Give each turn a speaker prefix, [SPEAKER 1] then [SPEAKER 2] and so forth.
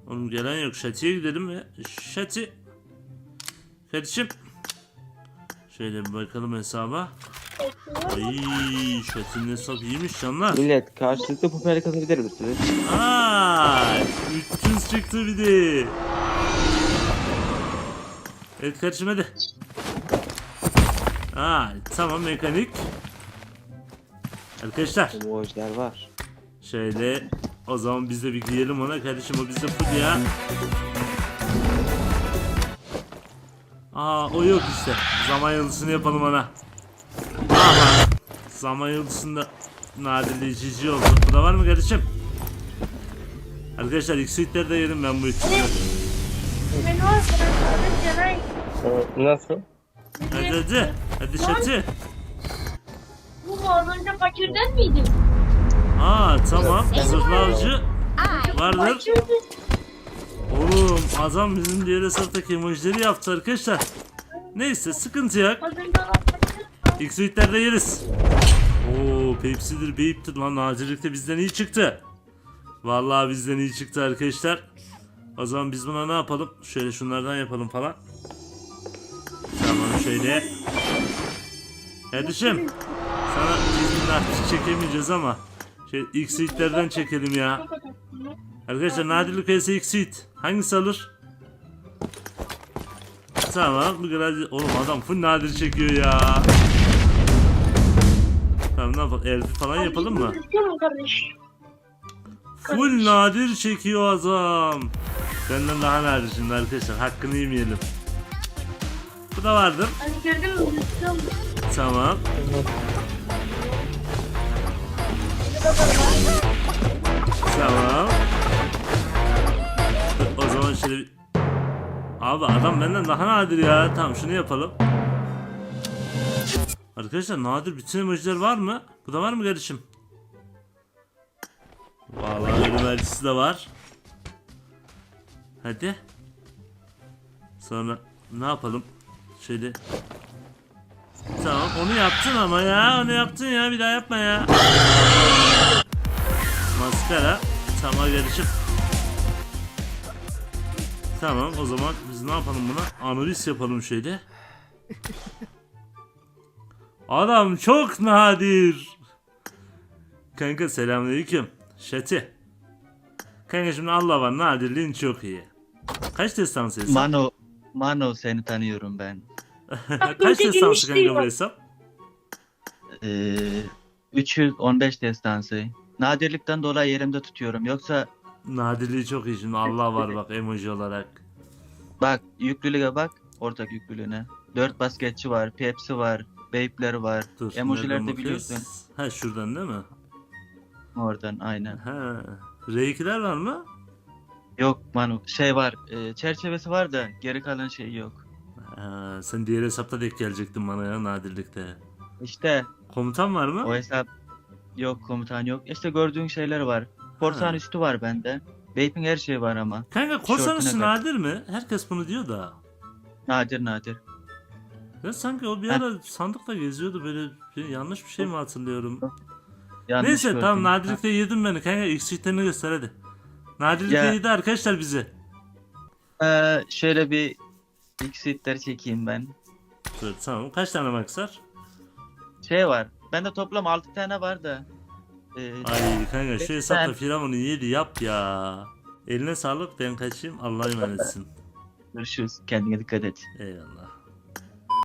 [SPEAKER 1] Oğlum gelen yok. Şati'ye gidelim mi? Şati. Kardeşim. Şöyle bir bakalım hesaba. Ay, Şati'nin hesabı iyiymiş canlar.
[SPEAKER 2] Millet karşılıklı popülerlik kazanabilir misiniz?
[SPEAKER 1] Aa, 300 çıktı bir de. Evet kardeşim hadi. Tamam mekanik. Arkadaşlar.
[SPEAKER 2] Emojiler var.
[SPEAKER 1] Şöyle o zaman biz de bir giyelim ona kardeşim, o bizde full ya. O yok işte. Zaman yıldızını yapalım ona. Ama zaman yıldızında nadirleyici oldu. Bu da var mı kardeşim? Arkadaşlar X-Suite'leri de yedim ben bu üçünü.
[SPEAKER 3] Ben var Canay.
[SPEAKER 2] Nasıl?
[SPEAKER 1] Hadi Şati.
[SPEAKER 3] Bu az önce fakirden miydi?
[SPEAKER 1] Tamam. Zırhlı avcı vardır.
[SPEAKER 3] Fakirdi.
[SPEAKER 1] Oğlum adam bizim diğer hesaptaki emojileri yaptı arkadaşlar. Neyse sıkıntı yok.
[SPEAKER 3] Az önce olan fakir.
[SPEAKER 1] X-Suite'lerde yeriz. Pepsi'dir Beyip'tir lan, nadirlikte bizden iyi çıktı. Vallahi bizden iyi çıktı arkadaşlar. O zaman biz buna ne yapalım? Şöyle şunlardan yapalım falan. Tamam şöyle. Kardeşim sana biz çekemeyeceğiz ama X-Suite'lerden çekelim ya. Arkadaşlar nadirlik vs X-Suite hangisi alır? Tamam bu kadar. Oğlum adam full nadir çekiyor ya. Tamam ne yapalım? Elfi falan yapalım mı? Full nadir çekiyor adam. Benden daha nadir şimdi arkadaşlar. Hakkını yemeyelim. Bu da vardır.
[SPEAKER 3] Hani gördün mü?
[SPEAKER 1] Tamam. Tamam. O zaman şöyle abi adam benden daha nadir ya. Tamam şunu yapalım. Arkadaşlar nadir bütün emojiler var mı? Bu da var mı kardeşim? Vallahi ölüm elçisi de var. Hadi. Sonra ne yapalım? Şöyle. Tamam onu yaptın ama ya. Onu yaptın ya. Bir daha yapma ya. Maskara. Tamam kardeşim. Tamam o zaman biz ne yapalım buna? Analiz yapalım şöyle. Adam çok nadir. Kanka selamünaleyküm. Şati. Kanka şimdi Allah var, nadirliğin çok iyi. Kaç destansı hesap?
[SPEAKER 4] Mano seni tanıyorum ben.
[SPEAKER 1] Kaç destansı kanka bu hesap?
[SPEAKER 4] 315 destansı. Nadirlikten dolayı yerimde tutuyorum. Yoksa
[SPEAKER 1] Nadirliği çok iyi şimdi, Allah var bak emoji olarak.
[SPEAKER 4] bak yüklülüğe bak. Ortak yüklülüğüne. 4 basketçi var. Pepsi var. Beypler var.
[SPEAKER 1] Dur.
[SPEAKER 4] Emojiler
[SPEAKER 1] nereden
[SPEAKER 4] de
[SPEAKER 1] bakıyoruz?
[SPEAKER 4] biliyorsun.
[SPEAKER 1] Ha şuradan değil mi?
[SPEAKER 4] Oradan aynen.
[SPEAKER 1] Ha. R2'ler var mı?
[SPEAKER 4] Yok Mano şey var. Çerçevesi var da geri kalan şey yok.
[SPEAKER 1] Sen diğer hesapta denk gelecektin bana ya, nadirlikte.
[SPEAKER 4] İşte
[SPEAKER 1] Komutan var mı?
[SPEAKER 4] o hesap yok, komutan yok. İşte gördüğün şeyler var. Korsan üstü var bende. Beyp'in her şeyi var ama.
[SPEAKER 1] Kanka korsan
[SPEAKER 4] Tişörtüne
[SPEAKER 1] üstü
[SPEAKER 4] kadar.
[SPEAKER 1] nadir mi? Herkes bunu diyor da.
[SPEAKER 4] Nadir.
[SPEAKER 1] Ya sanki o bir ara sandıkla geziyordu böyle, yanlış bir şey mi hatırlıyorum?
[SPEAKER 4] Yanlış
[SPEAKER 1] Neyse
[SPEAKER 4] gördüm.
[SPEAKER 1] tamam, nadirlikte yedim beni kanka, X-Suite'lerini göster hadi. Nadirlikte
[SPEAKER 4] Ya.
[SPEAKER 1] yedi arkadaşlar bizi.
[SPEAKER 4] Şöyle bir X-Suite'leri çekeyim ben.
[SPEAKER 1] Dur tamam, kaç tane maksar?
[SPEAKER 4] Şey var. Bende toplam 6 tane var da.
[SPEAKER 1] Ay kanka şu hesapta
[SPEAKER 4] Ben-
[SPEAKER 1] Firavun'u yedi yap ya. Eline sağlık, ben kaçayım, Allah'a emanetsin.
[SPEAKER 4] Görüşürüz. Kendine dikkat et.
[SPEAKER 1] Eyvallah.